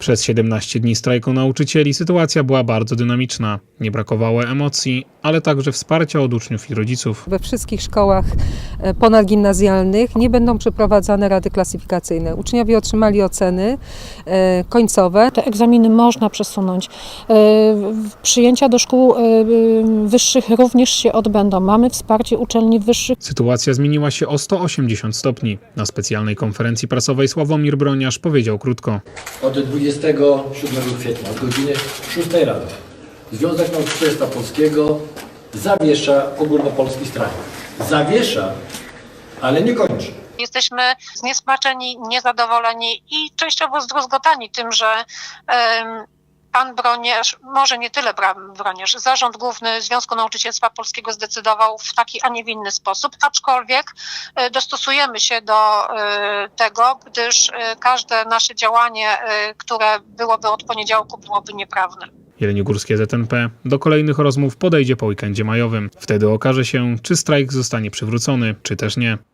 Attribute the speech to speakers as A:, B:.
A: Przez 17 dni strajku nauczycieli sytuacja była bardzo dynamiczna. Nie brakowało emocji, ale także wsparcia od uczniów i rodziców.
B: We wszystkich szkołach ponadgimnazjalnych nie będą przeprowadzane rady klasyfikacyjne. Uczniowie otrzymali oceny końcowe.
C: Te egzaminy można przesunąć. Przyjęcia do szkół wyższych również się odbędą. Mamy wsparcie uczelni wyższych.
A: Sytuacja zmieniła się o 180 stopni. Na specjalnej konferencji prasowej Sławomir Broniarz powiedział krótko.
D: Od 27 kwietnia, od godziny 6 rano, Związek Nauczycielstwa Polskiego zawiesza ogólnopolski strajk. Zawiesza, ale nie kończy.
E: Jesteśmy zniesmaczeni, niezadowoleni i częściowo zdruzgotani tym, że pan Broniarz, może nie tyle Broniarz, Zarząd Główny Związku Nauczycielstwa Polskiego zdecydował w taki, a nie w inny sposób, aczkolwiek dostosujemy się do tego, gdyż każde nasze działanie, które byłoby od poniedziałku, byłoby nieprawne.
A: Jeleniogórskie ZNP do kolejnych rozmów podejdzie po weekendzie majowym. Wtedy okaże się, czy strajk zostanie przywrócony, czy też nie.